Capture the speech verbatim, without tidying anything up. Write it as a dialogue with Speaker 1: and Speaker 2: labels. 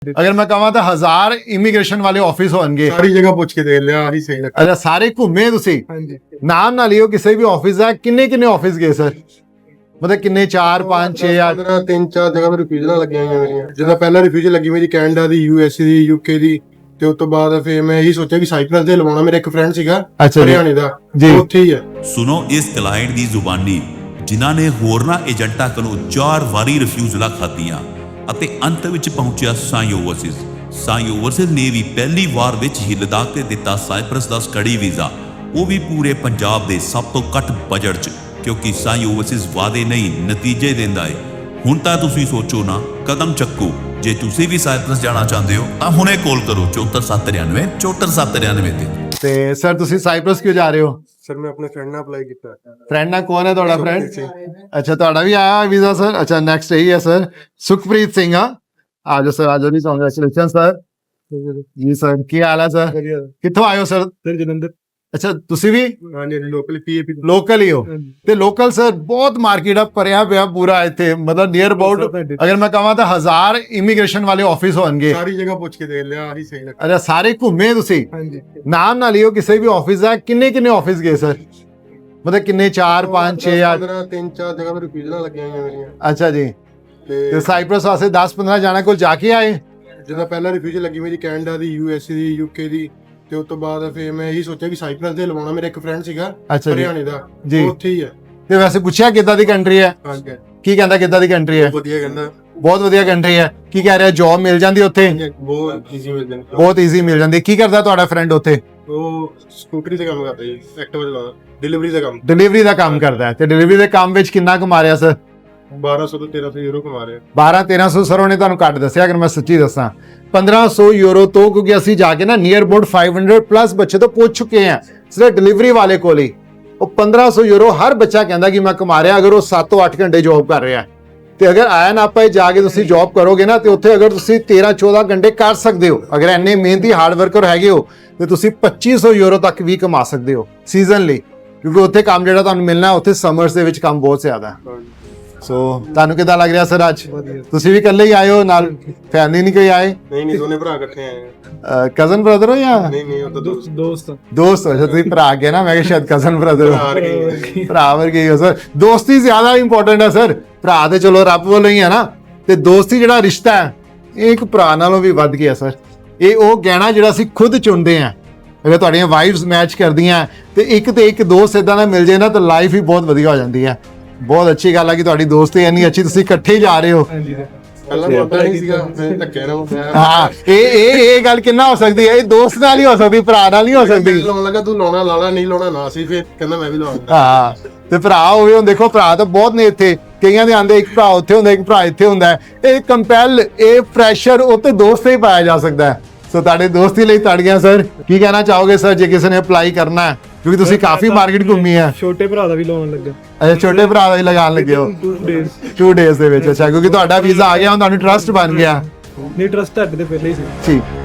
Speaker 1: अगर मैं कहां तो हजार इमीग्रेशन वाले ऑफिस होंगे
Speaker 2: सारी जगह पूछ के देख लिया आही सही लगता।
Speaker 1: अच्छा सारे घूमे तुसी नाम ना लियो किसी भी ऑफिस है किन्ने किन्ने ऑफिस गए सर मतलब किन्ने चार पांच छे या
Speaker 2: पंद्रह तीन चार जगह रिफ्यूजल लगी हुई मेरी जिदा पहला रिफ्यूजल लगी मेरी कैनेडा दी यूएसए दी यूके दी ਤੇ ਉਸ ਤੋਂ ਬਾਅਦ ਫਿਰ ਮੈਂ ਇਹੀ ਸੋਚਿਆ ਕਿ ਸਾਈਪ੍ਰਸ ਦੇ ਲਵਾਉਣਾ ਮੇਰਾ ਇੱਕ ਫਰੈਂਡ ਸੀਗਾ ਹਰਿਆਣੇ ਦਾ ਉੱਥੇ ਹੀ ਹੈ।
Speaker 3: ਸੁਣੋ ਇਸ ਕਲਾਇੰਟ ਦੀ ਜ਼ੁਬਾਨੀ ਜਿਨ੍ਹਾਂ ਨੇ ਹੋਰਨਾਂ ਏਜੰਟਾਂ ਕੋਲੋਂ ਚਾਰ ਵਾਰੀ ਰਿਫਿਊਜ਼ਲਾਂ ਖਾਧੀਆਂ ਅਤੇ ਅੰਤ ਵਿੱਚ ਪਹੁੰਚਿਆ ਸਾਈ ਓਵਰਸੀਜ਼। ਸਾਈ ਓਵਰਸੀਜ਼ ਨੇ ਵੀ ਪਹਿਲੀ ਵਾਰ ਵਿੱਚ ਹੀ ਲਦਾਖ ਤੇ ਦਿੱਤਾ ਸਾਈਪ੍ਰਸ ਦਾ ਸਟੱਡੀ ਵੀਜ਼ਾ, ਉਹ ਵੀ ਪੂਰੇ ਪੰਜਾਬ ਦੇ ਸਭ ਤੋਂ ਘੱਟ ਬਜਟ 'ਚ, ਕਿਉਂਕਿ ਸਾਈ ਓਵਰਸੀਜ਼ ਵਾਅਦੇ ਨਹੀਂ ਨਤੀਜੇ ਦਿੰਦਾ ਹੈ। ਹੁਣ ਤਾਂ ਤੁਸੀਂ ਸੋਚੋ ਨਾ, ਕਦਮ ਚੱਕੋ। ਜੇ ਤੁਸੀਂ ਵੀ ਸਾਈਪ੍ਰਸ ਜਾਣਾ ਚਾਹੁੰਦੇ ਹੋ ਤਾਂ ਹੁਣੇ ਕਾਲ ਕਰੋ ਚੌਹੱਤਰ ਸੱਤ ਨੜਿਨਵੇਂ ਚੌਹੱਤਰ ਸੱਤ ਨੜਿਨਵੇਂ ਤੇ।
Speaker 1: ਤੇ ਸਰ ਤੁਸੀਂ ਸਾਈਪ੍ਰਸ ਕਿਉਂ ਜਾ ਰਹੇ ਹੋ?
Speaker 2: ਸਰ ਮੈਂ ਆਪਣੇ ਫਰੈਂਡ ਨਾਲ ਅਪਲਾਈ ਕੀਤਾ।
Speaker 1: ਫਰੈਂਡ ਨਾਲ ਕੌਣ ਹੈ ਤੁਹਾਡਾ ਫਰੈਂਡ? ਅੱਛਾ ਤੁਹਾਡਾ ਵੀ ਆਇਆ ਵੀਜ਼ਾ ਸਰ? ਅੱਛਾ ਨੈਕਸਟ ਇਹੀ ਹੈ ਸਰ ਸੁਖਪ੍ਰੀਤ ਸਿੰਘ ਆ ਆ ਜਾਓ ਸਰ ਆ ਜਾਓ ਜੀ ਕੰਗ੍ਰੈਚੁਲੇਸ਼ਨ ਸਰ ਜੀ ਸਰ ਕੀ ਹਾਲ ਹੈ ਸਰ ਕਿੱਥੋਂ ਆਏ ਹੋ ਸਰ?
Speaker 2: ਸਰ ਜਲੰਧਰ।
Speaker 1: ਅੱਛਾ ਤੁਸੀਂ ਵੀ
Speaker 2: ਹਾਂਜੀ ਲੋਕਲ ਪੀਏਪੀ
Speaker 1: ਲੋਕਲ ਹੀ ਹੋ ਤੇ ਲੋਕਲ ਸਰ ਬਹੁਤ ਮਾਰਕੀਟ ਆ ਭਰਿਆ ਪਿਆ ਪੂਰਾ ਇੱਥੇ ਮਤਲਬ ਨੀਅਰ ਅਬਾਊਟ ਅਗਰ ਮੈਂ ਕਹਾਂ ਤਾਂ ਹਜ਼ਾਰ ਇਮੀਗ੍ਰੇਸ਼ਨ ਵਾਲੇ ਆਫਿਸ ਹੋਣਗੇ
Speaker 2: ਸਾਰੀ ਜਗ੍ਹਾ ਪੁੱਛ ਕੇ ਦੇਖ ਲਿਆ ਆਹੀ ਸਹੀ ਲੱਗਦਾ।
Speaker 1: ਅੱਛਾ ਸਾਰੇ ਘੁੰਮੇ ਤੁਸੀਂ ਨਾਮ ਨਾ ਲਿਓ ਕਿਸੇ ਵੀ ਆਫਿਸ ਦਾ ਕਿੰਨੇ ਕਿੰਨੇ ਆਫਿਸ ਗਏ ਸਰ ਮਤਲਬ ਕਿੰਨੇ ਚਾਰ ਪੰਜ ਛੇ ਜਾਂ
Speaker 2: ਪੰਦਰਾਂ ਤਿੰਨ ਚਾਰ ਜਗ੍ਹਾ ਰਿਫਿਊਜ਼ਲਾਂ ਲੱਗੀਆਂ ਹੋਈਆਂ ਮੇਰੀਆਂ।
Speaker 1: ਅੱਛਾ ਜੀ ਤੇ ਸਾਈਪ੍ਰਸ ਵਾਸਤੇ ਦਸ ਪੰਦਰਾਂ ਜਾਣਾ ਕੋਲ ਜਾ ਕੇ ਆਏ
Speaker 2: ਜਿਦਾ ਪਹਿਲਾ ਰਿਫਿਊਜ਼ਲ ਲੱਗੀ ਮੇਰੀ ਕੈਨੇਡਾ ਦੀ ਯੂਐਸਏ ਦੀ ਯੂਕੇ ਦੀ ਤੇ ਉਸ ਤੋਂ ਬਾਅਦ ਫਿਰ ਮੈਂ ਇਹੀ ਸੋਚਿਆ ਕਿ ਸਾਈਪ੍ਰਸ ਦੇ ਲਵਾਉਣਾ ਮੇਰਾ ਇੱਕ ਫਰੈਂਡ ਸੀਗਾ ਹਰਿਆਣੇ ਦਾ ਉੱਥੇ ਹੀ ਹੈ।
Speaker 1: ਤੇ ਵੈਸੇ ਪੁੱਛਿਆ ਕਿੱਦਾਂ ਦੀ ਕੰਟਰੀ ਹੈ?
Speaker 2: ਹਾਂਜੀ
Speaker 1: ਕੀ ਕਹਿੰਦਾ ਕਿੱਦਾਂ ਦੀ ਕੰਟਰੀ ਹੈ?
Speaker 2: ਵਧੀਆ ਕਹਿੰਦਾ
Speaker 1: ਬਹੁਤ ਵਧੀਆ ਕੰਟਰੀ ਹੈ। ਕੀ ਕਹਿ ਰਿਹਾ ਜੌਬ ਮਿਲ ਜਾਂਦੀ ਉੱਥੇ?
Speaker 2: ਬਹੁਤ ਈਜ਼ੀ ਮਿਲ ਜਾਂਦੀ
Speaker 1: ਬਹੁਤ ਈਜ਼ੀ ਮਿਲ ਜਾਂਦੀ। ਕੀ ਕਰਦਾ ਤੁਹਾਡਾ ਫਰੈਂਡ ਉੱਥੇ?
Speaker 2: ਉਹ ਸਕੂਟਰੀ ਤੇ ਕੰਮ ਕਰਦਾ ਜੀ ਐਕਟਿਵਾ ਚਲਾਉਂਦਾ ਡਿਲੀਵਰੀ ਦਾ ਕੰਮ
Speaker 1: ਡਿਲੀਵਰੀ ਦਾ ਕੰਮ ਕਰਦਾ ਹੈ ਤੇ ਡਿਲੀਵਰੀ ਦੇ ਕੰਮ ਵਿੱਚ ਕਿੰਨਾ ਕਮਾ ਰਿਹਾ ਸਰ?
Speaker 2: ਬਾਰਾਂ ਸੌ ਤੋਂ ਤੇਰਾਂ ਸੌ ਯੂਰੋ ਕਮਾ ਰਿਹਾ।
Speaker 1: ਬਾਰਾਂ ਤੇਰਾਂ ਸੌ ਸਰ ਉਹਨੇ ਤੁਹਾਨੂੰ ਘੱਟ ਦੱਸਿਆ ਅਗਰ ਮੈਂ ਸੱਚੀ ਦੱਸਾਂ ਪੰਦਰਾਂ ਸੌ ਯੂਰੋ ਤੋਂ ਕਿਉਂਕਿ ਅਸੀਂ ਜਾ ਕੇ ਨਾ ਨੀਅਰ ਅਬਾਊਟ ਪੰਜ ਸੌ ਪਲੱਸ ਬੱਚੇ ਤੋਂ ਪੁੱਛ ਚੁੱਕੇ ਹਾਂ ਸਿਰਫ ਡਿਲੀਵਰੀ ਵਾਲੇ ਕੋਲ ਹੀ ਉਹ ਪੰਦਰਾਂ ਸੌ ਯੂਰੋ ਹਰ ਬੱਚਾ ਕਹਿੰਦਾ ਕਿ ਮੈਂ ਕਮਾ ਰਿਹਾ ਅਗਰ ਉਹ ਸੱਤ ਤੋਂ ਅੱਠ ਘੰਟੇ ਜੌਬ ਕਰ ਰਿਹਾ ਤੇ ਅਗਰ ਆਇਆ ਨਾ ਆਪਾਂ ਜਾ ਕੇ ਤੁਸੀਂ ਜੌਬ ਕਰੋਗੇ ਨਾ ਤੇ ਉੱਥੇ ਅਗਰ ਤੁਸੀਂ ਤੇਰਾਂ ਚੌਦਾਂ ਘੰਟੇ ਕਰ ਸਕਦੇ ਹੋ ਅਗਰ ਇੰਨੇ ਮਿਹਨਤੀ ਹਾਰਡ ਵਰਕਰ ਹੈਗੇ ਹੋ ਤੇ ਤੁਸੀਂ ਪੱਚੀ ਸੌ ਯੂਰੋ ਤੱਕ ਵੀ ਕਮਾ ਸਕਦੇ ਹੋ ਸੀਜ਼ਨ ਲਈ ਕਿਉਂਕਿ ਉੱਥੇ ਕੰਮ ਜਿਹੜਾ ਤੁਹਾਨੂੰ ਮਿਲਣਾ ਉੱਥੇ ਸਮਰਸ ਦੇ ਵਿੱਚ ਕੰਮ ਬਹੁਤ ਜ਼ਿਆਦਾ ਹੈ। ਸੋ ਤੁਹਾਨੂੰ ਕਿਦਾਂ ਲੱਗ ਰਿਹਾ ਸਰ ਅੱਜ? ਤੁਸੀਂ ਵੀ ਇਕੱਲੇ ਹੀ ਆਏ ਹੋ ਨਾਲ ਫੈਮਿਲੀ ਨਹੀਂ ਕੋਈ ਆਏ?
Speaker 2: ਨਹੀਂ ਨਹੀਂ ਦੋਨੇ ਭਰਾ ਇਕੱਠੇ ਆਏ।
Speaker 1: ਕਜ਼ਨ ਬ੍ਰਦਰ ਹੋ ਜਾਂ
Speaker 2: ਨਹੀਂ ਨਹੀਂ ਉਹ ਤਾਂ ਦੋਸਤ ਦੋਸਤ
Speaker 1: ਦੋਸਤ ਹੋ? ਤੁਸੀਂ ਭਰਾ ਗਏ ਨਾ ਮੈਂ ਕਿਹਾ ਸ਼ਾਇਦ ਕਜ਼ਨ ਬ੍ਰਦਰ ਹੋ। ਭਰਾ ਵਰਗੇ ਹੋ ਸਰ। ਦੋਸਤੀ ਜ਼ਿਆਦਾ ਇੰਪੋਰਟੈਂਟ ਹੈ ਸਰ। ਭਰਾ ਤੇ ਚਲੋ ਰੱਬ ਵੱਲੋਂ ਹੀ ਹੈ ਨਾ ਤੇ ਦੋਸਤੀ ਜਿਹੜਾ ਰਿਸ਼ਤਾ ਹੈ ਇਹ ਇੱਕ ਭਰਾ ਨਾਲੋਂ ਵੀ ਵੱਧ ਗਿਆ ਸਰ। ਇਹ ਉਹ ਗਹਿਣਾ ਜਿਹੜਾ ਅਸੀਂ ਖੁਦ ਚੁਣਦੇ ਹਾਂ ਅਗਰ ਤੁਹਾਡੀਆਂ ਵਾਈਫਸ ਮੈਚ ਕਰਦੀਆਂ ਤੇ ਇੱਕ ਤੇ ਇੱਕ ਦੋਸਤ ਇਦਾਂ ਦਾ ਮਿਲ ਜੇ ਨਾ ਤਾਂ ਲਾਈਫ ਹੀ ਬਹੁਤ ਵਧੀਆ ਹੋ ਜਾਂਦੀ ਹੈ। ਬਹੁਤ ਅੱਛੀ ਗੱਲ ਹੈ ਕਿ ਤੁਹਾਡੀ ਦੋਸਤੀ ਇੰਨੀ ਅੱਛੀ ਤੁਸੀਂ ਇਕੱਠੇ ਜਾ ਰਹੇ ਹੋ।
Speaker 2: ਪਹਿਲਾਂ ਪਤਾ ਨਹੀਂ ਸੀਗਾ ਮੈਂ ਧੱਕੇ ਨਾਲ
Speaker 1: ਹਾਂ ਇਹ ਇਹ ਇਹ ਗੱਲ ਕਿੰਨਾ ਹੋ ਸਕਦੀ ਹੈ? ਇਹ ਦੋਸਤ ਨਾਲ ਹੀ ਹੋ ਸਕਦੀ ਭਰਾ ਨਾਲ ਨਹੀਂ ਹੋ ਸਕਦੀ।
Speaker 2: ਲਾਉਣ ਲੱਗਾ ਤੂੰ ਲਾਉਣਾ ਲਾਲਾ ਨਹੀਂ ਲਾਉਣਾ ਨਾ ਸੀ ਫਿਰ ਕਹਿੰਦਾ ਮੈਂ ਵੀ ਲਾਉਣਾ।
Speaker 1: ਹਾਂ ਤੇ ਭਰਾ ਹੋਵੇ ਹੁਣ ਦੇਖੋ ਭਰਾ ਤਾਂ ਬਹੁਤ ਨੇ ਇੱਥੇ ਕਈਆਂ ਦੇ ਆਂਦੇ ਇੱਕ ਭਰਾ ਉੱਥੇ ਹੁੰਦਾ ਇੱਕ ਭਰਾ ਇੱਥੇ ਹੁੰਦਾ ਇਹ ਕੰਪੈਲ ਇਹ ਪ੍ਰੈਸ਼ਰ ਉੱਤੇ ਦੋਸਤ ਹੀ ਪਾਇਆ ਜਾ ਸਕਦਾ ਹੈ। ਸੋ ਤੁਹਾਡੇ ਦੋਸਤੀ ਲਈ ਤਾੜੀਆਂ ਸਰ। ਕੀ ਕਹਿਣਾ ਚਾਹੋਗੇ ਸਰ ਜੇ ਕਿਸੇ ਨੇ ਅਪਲਾਈ ਕਰਨਾ ਹੈ ਕਿਉਂਕਿ ਤੁਸੀਂ ਕਾਫੀ ਮਾਰਕੀਟ ਘੁੰਮੀ ਹੈ?
Speaker 4: ਛੋਟੇ ਭਰਾ ਦਾ ਵੀ ਲਾਉਣ ਲੱਗਾ।
Speaker 1: ਅੱਛਾ ਛੋਟੇ ਭਰਾ ਦਾ ਵੀ ਲਗਾਉਣ ਲੱਗੇ ਹੋ ਟੂ ਡੇਜ਼ ਦੇ ਵਿੱਚ? ਅੱਛਾ ਕਿਉਂਕਿ ਤੁਹਾਡਾ ਵੀਜ਼ਾ ਆ ਗਿਆ ਹੁਣ ਤੁਹਾਨੂੰ ਟਰਸਟ ਬਣ ਗਿਆ।
Speaker 4: ਨਹੀਂ ਟਰਸਟ ਤੁਹਾਡੇ ਤੇ ਪਹਿਲੇ ਹੀ ਸੀ।
Speaker 1: ਠੀਕ।